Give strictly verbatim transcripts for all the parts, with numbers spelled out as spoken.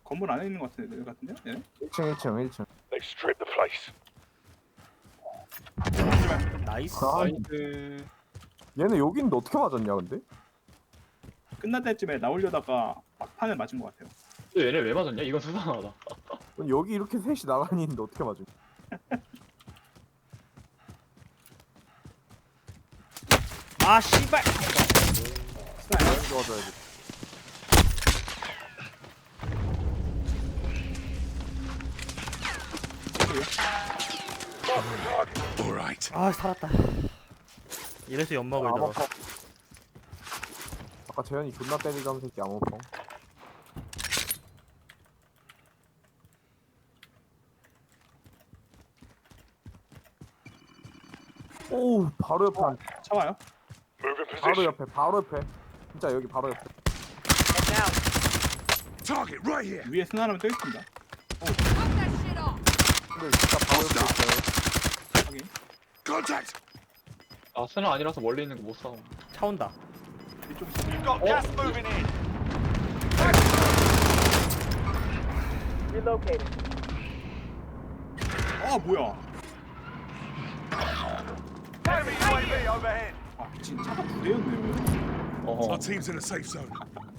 건물 안에 있는 것 같은데, 같은데요? 얘네? 일 층 일 층 일 층. They stripped the place. 나이스. 아, 그 얘네 여기 있는데 어떻게 맞았냐 근데? 끝날 때쯤에 나오려다가 막판을 맞은 것 같아요. 근데 얘네 왜 맞았냐? 이건 수상하다. 아니, 여기 이렇게 셋이 나란히 있는데 어떻게 맞은? 아 씨발. 스나야? 도와줘야지. All right. 아 살았다. 이래서 연막을 넣어. 암호펑. 아까 재현이 존나 때리던 새끼 암호펑. 오 바로 옆에 한- 차와요? Move in 바로 position. 옆에 바로 옆에 진짜 여기 바로 옆에. Target right here. 위에 스나라면 떠 있습니다. 근데 진짜 바로 옆에 있어요. 확인. Contact. 아 스나 아니라서 멀리 있는 거 못 싸워. 차 온다. 이쪽 You've got gas moving in. 아 뭐야? Enemy U A V overhead. 아 미친 차가 두 대였네요. 어허. Our team's in a safe zone.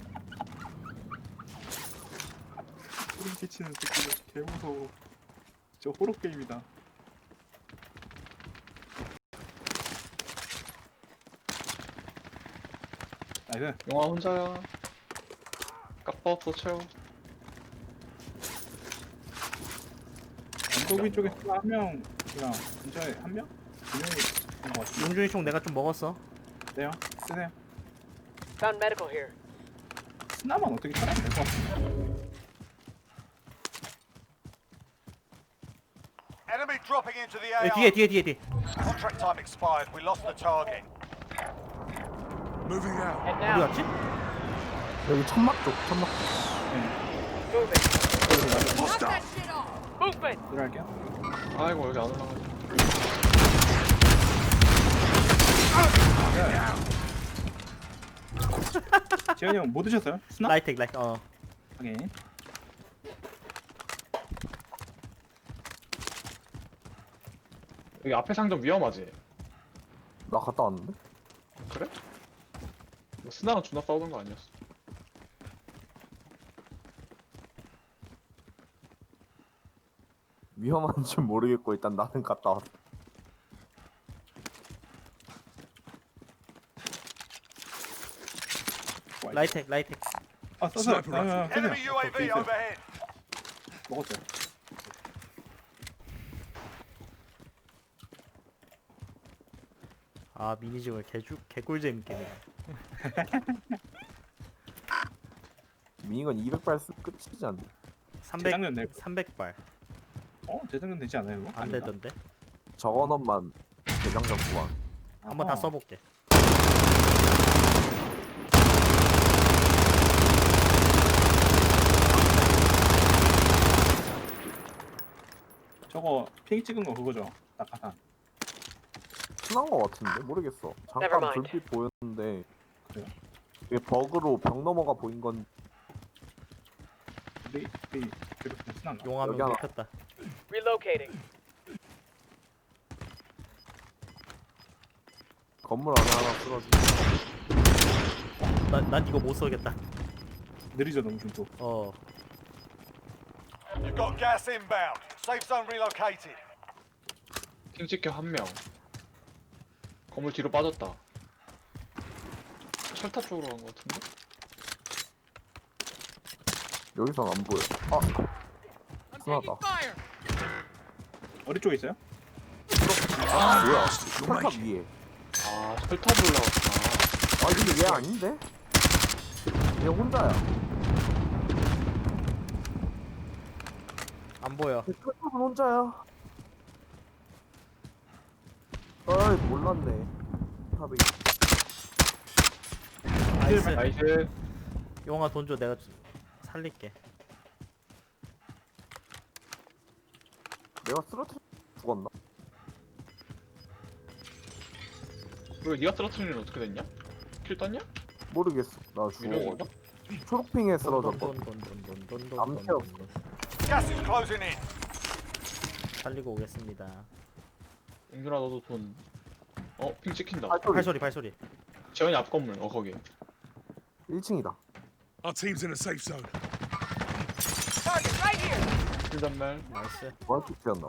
소름 끼치는 새끼들 개 무서워. 진짜 호러 게임이다. 나이스. 영화 혼자야. 까빠 없어 채워. 언덕 위쪽에 스나 한 명, 그냥 근처에 한 명? 두 명이 있는 것 같은데. 용준이 총 내가 좀 먹었어. 네요. 쓰세요. Found medical here. 스나만 어떻게 찾아야 될 것 같은데. Enemy dropping into the 에, A R. 뒤에 뒤에 뒤에 뒤에. Contract time expired. We lost the target. Moving out. Head 어디 now. 갔지? 여기 천막 쪽 천막 쪽. Moving. Hostile. Movement. 들어갈게요. 아이고 여기 안 올라가. 재현이 형 뭐 드셨어요? 스나? 라이텍 라이텍. 어. 확인. 여기 앞에 상점 위험하지? 나 갔다 왔는데? 그래? 뭐 스나랑 존나 싸우는 거 아니었어? 위험한 줄 모르겠고 일단 나는 갔다 왔어. 라이텍 라이텍. 아 써서. 아, Sniper 아, rifle. 아, Enemy 쓰세요. U A 어, V 있어요. overhead. 먹었어요. 아 미니집을 개주 개꿀잼 게네. 미니건 이백 발 쓰 끝이지 않나? 삼백 재작년 낼. 삼백 발. 어 재작년 되지 않아요? 이거? 안 아닌가? 되던데. 저거넛만 대장전 구한. 한번 다 아하. 써볼게. 저거 핑 찍은 거 그거죠? 낙하산. 순한 거 같은데 모르겠어. Never 잠깐 mind. 불빛 보였는데 그래요? 이게 버그로 벽 넘어가 보인 건 우리 우리 괴롭히는 스나인가? 용하면 여기 하나. 먹혔다. Relocating. 건물 안에 하나 쓰러지. 나난 이거 못 써겠다. 느리죠 너무 좀 또. 어. You've got gas inbound. Safe zone relocated. 핑 찍혀 한 명. 건물 뒤로 빠졌다. 철탑 쪽으로 간 거 같은데? 여기선 안 보여. 아, 순하다. 어디 쪽에 있어요? 아, 뭐야? 철탑 위에. 아 철탑 올라갔구나. 아, 근데 얘 아닌데? 얘 혼자야. 안 보여. 얘 철탑은 혼자야. 어이, 몰랐네. 탑이. 나이스. 나이스. 용아 돈 줘. 내가 살릴게. 내가 쓰러뜨려 죽었나? 그리고 니가 쓰러트리는 어떻게 됐냐? 킬 떴냐? 모르겠어. 나 유령인가? 죽어가지고. 초록핑에 쓰러졌거든. 돈돈돈돈돈돈 안 채웠어. Gas is closing in. 살리고 오겠습니다. 용준아 너도 돈. 어, 핑 찍힌다. 발소리. 발소리 발소리. 재현이 앞 건물. 어, 거기. 일 층이다. Our team's in a safe zone. Target right here. 일단말. 나이스. 뭐한테 튀었나?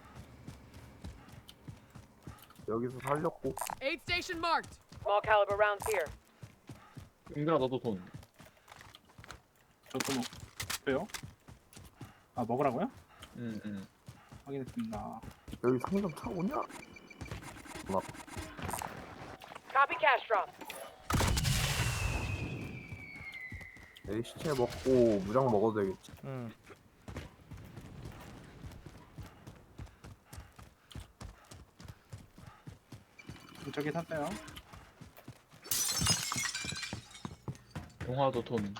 여기서 살렸고. Aid station marked. Small caliber rounds here. 용준아 너도 돈. 저도 먹어요? 아 먹으라고요? 응, 응. 확인했습니다. 여기 상점 차 오냐? 나 Copy cash drop. 내 시체 먹고 무장 먹어도 되겠지. 응. 저기 샀어요. 용화도 돈.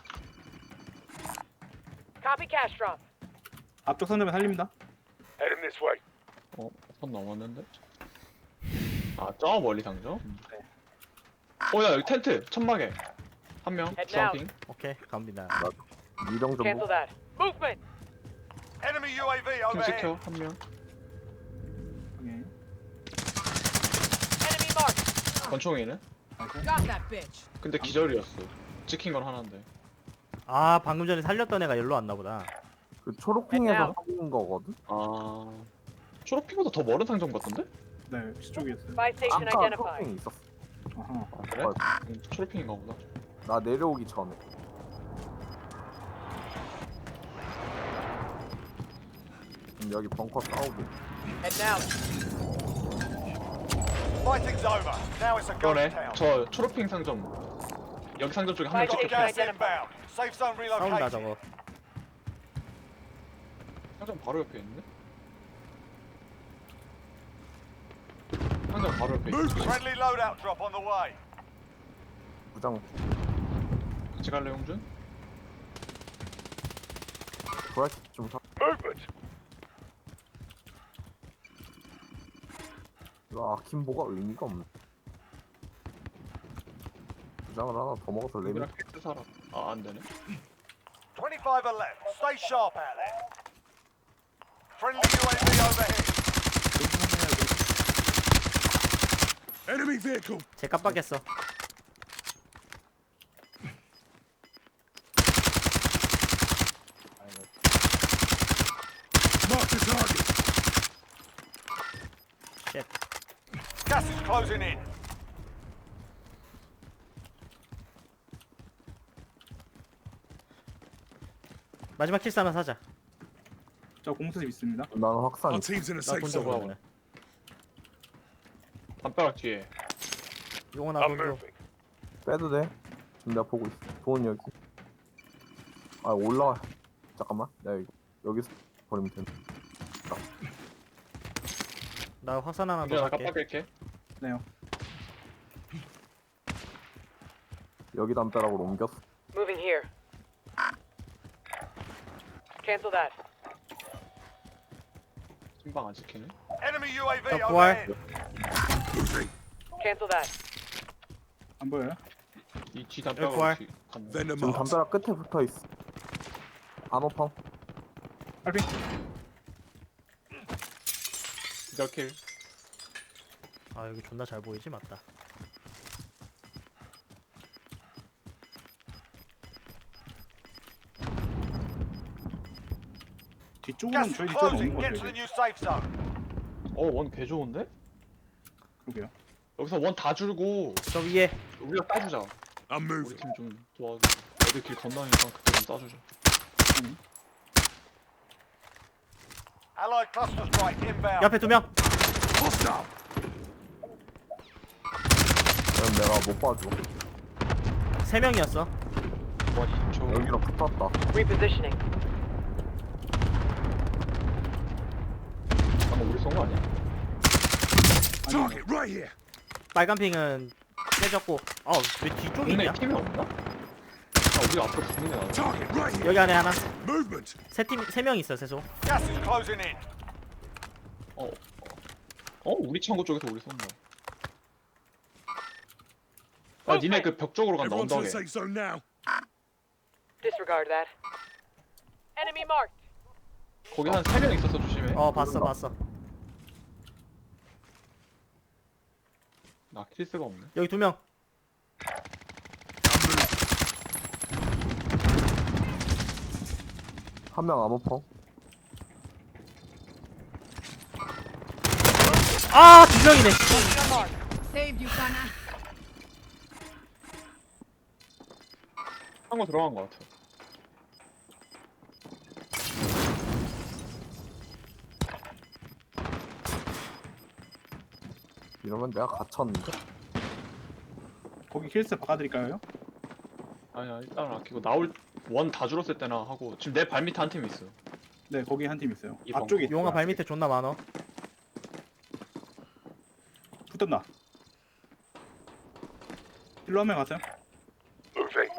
Copy cash drop. 앞쪽 선점에 살립니다. Heading this way. 어, 선 넘었는데? 아, 저 멀리 상점? 네. 어, 야, 여기 텐트! 천막에! 한 명, Head 주황핑. 오케이 갑니다. 미령 좀 Cancel 먹. that. Movement. Enemy U A V 핑 overhead. 찍혀, 한 명. 오케이. Enemy marked. 권총이네? Got that bitch. 근데 기절이었어. 찍힌 건 하나인데. 아 방금 전에 살렸던 애가 일로 왔나 보다. 그 초록핑에서 살린 거거든. 아... 초록핑보다 더 멀은 상점 같던데? 네, 시쪽에 있어요. Buy station 아까 identified. 초록핑이 있었어. 아하. 아, 그래? 음, 초록핑인가 보다. 나 내려오기 전에. 음, 여기 벙커 싸우고. Head now. Fighting's over. Now it's a ghost 그러네. town. 저 초록핑 상점. 여기 상점 쪽에 한 명 Buy 찍혔어. station Gas inbound. Safe zone 싸운다 relocated. 저거. 상점 바로 옆에 있는데? 상점 바로 옆에 있어. Friendly loadout drop on the way. 무장 같이 갈래, 용준? 브라이트 좀 사. Movement. 이거 아킴보가 의미가 없네. 부장을 하나 더 먹어서 레벨. 레미랑 팩트 사라. 아, 안 되네. twenty-five are left. Stay sharp out there. Friendly U A V overhead. Enemy vehicle. 제 깜빡했어. Mark the target. 쉣. Gas is closing in. 마지막 킬스 하나 사자. 저 공수집 있습니다. 나는 확산. Our team's in a safe 나돈 줘. zone. 그러면. 담벼락 뒤에. 용어 나돈 줘. 빼도 돼? 지금 내가 보고 있어. 돈 여기. 아 올라와. 잠깐만. 내가 이거 여기서 버리면 된다. 나 화산 하나 용준아, 더 나 살게. 깜빡일게. 네요. 여기 담벼락으로 옮겼어. Moving here. Cancel that. 신방 안 지키네. Enemy U A V 자, 부활. overhead. Cancel that. 안 보여요? 이 뒤 부활. 담벼락 뒤 갔네. Venom 지금 marked. 담벼락 끝에 붙어 있어. 암호펑. 빨리. 기절킬. 아 여기 존나 잘 보이지 맞다. 뒤쪽으로는 Gas 저희 is 뒤쪽은 없는 closing. 것 Get to 같아요. the new safe zone. 어, 원 개 좋은데? 그러게요. 여기서 원 다 줄고 저 위에 우리가 따주자. I'm 우리 moving. 팀 좀 도와줘. 애들 길 건너니까 그때 좀 따주자. Allied cluster strike inbound. 옆에 두 명. Hostile. 그럼 내가 못 봐줘. 세 명이었어. 원 이십 초. 여기랑 붙었다. Repositioning. 방금 우리 쏜 거 아니야? Target right here. 빨간 핑은 깨졌고. 어왜 뒤쪽에 국내 있냐? 팀이 없나? 아, 우리 앞으로 국내 나와. Target right here. 여기 안에 하나. Movement. 세 팀 세 명 있어 세소. Gas is closing in. 어, 어, 어, 우리 창고 쪽에서 우리 쏜다. 아, 니네 그 벽 쪽으로 간다, 어, Everyone to the 언덕에. safe zone now. Disregard that. Enemy marked. 거기 한 세 명 있어서 조심해. 어 봤어 봤어. 나 키스가 없네. 여기 두 명. 한 명 암호펑. 아 두 명이네. Saved you, Kana. 한 거 들어간 거 같아. 이러면 내가 갇혔는데? 거기 킬스 바꿔드릴까요? 아니야 일단 아끼고 나올 원 다 줄었을 때나 하고 지금 내 발 밑에 한 팀 있어. 네, 거기 한 팀 있어요. 이번 앞쪽에 거. 용아 있어요. 발 밑에 존나 많어. 붙었나? 일로 한 명 갔어요? Moving.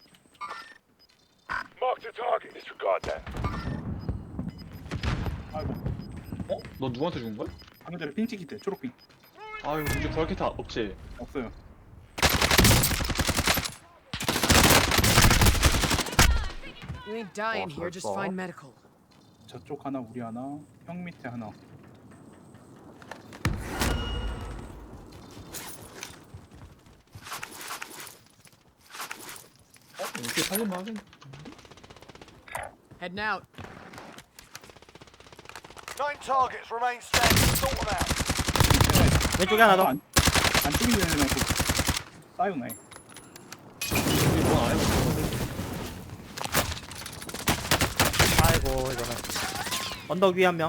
Mark the target. Disregard that. 아이고, 어? 너 누구한테 죽은 거야? 방금 전에 핑 찍힐 때 초록핑 아유 이제 부활키트 없지? 없어요. You ain't dying here. Just find medical. 저쪽 하나, 우리 하나, 형 밑에 하나. 어? 이렇게 살릴만 하겠네. Heading out. Nine targets remain standing. Sort them out. 왼쪽에 하나 더. 안, 안 찍히는 애는 싸우네. 우리 뭔안 해봤어. 아이고 이거는. 언덕 위에 한 명.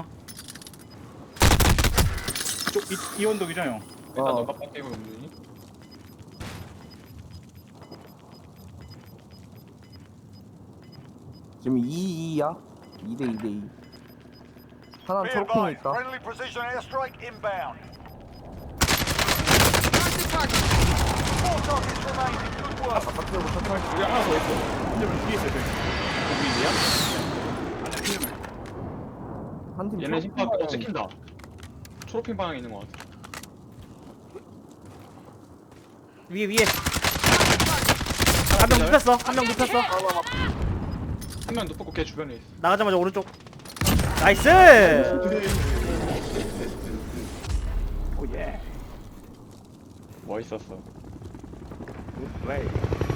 쪽, 이, 이 언덕이죠, 형? 일단 어. 너가 빡대고 용준이. 지금 이 이야? 이 대 이 대 이. 하나는 Be 초록핑에 advised. 있다. Friendly precision airstrike inbound. Mark the target. Four targets remaining. Good work. 바깥으로 셔틀. 여기 하나 더 있어. 한점은 뒤에 있어요, 저기. 여기야? 안에 팀을. 한팀 얘네 힘파 어 찍힌다. 초록핑 방향에 있는 거 같아. 위에 위에. 한 명 눕혔어. 한 명 눕혔어. 한 명 눕고 걔 주변에 있어. 나가자마자 오른쪽. 나이스. 오, 예. 뭐 있었어? 플레이.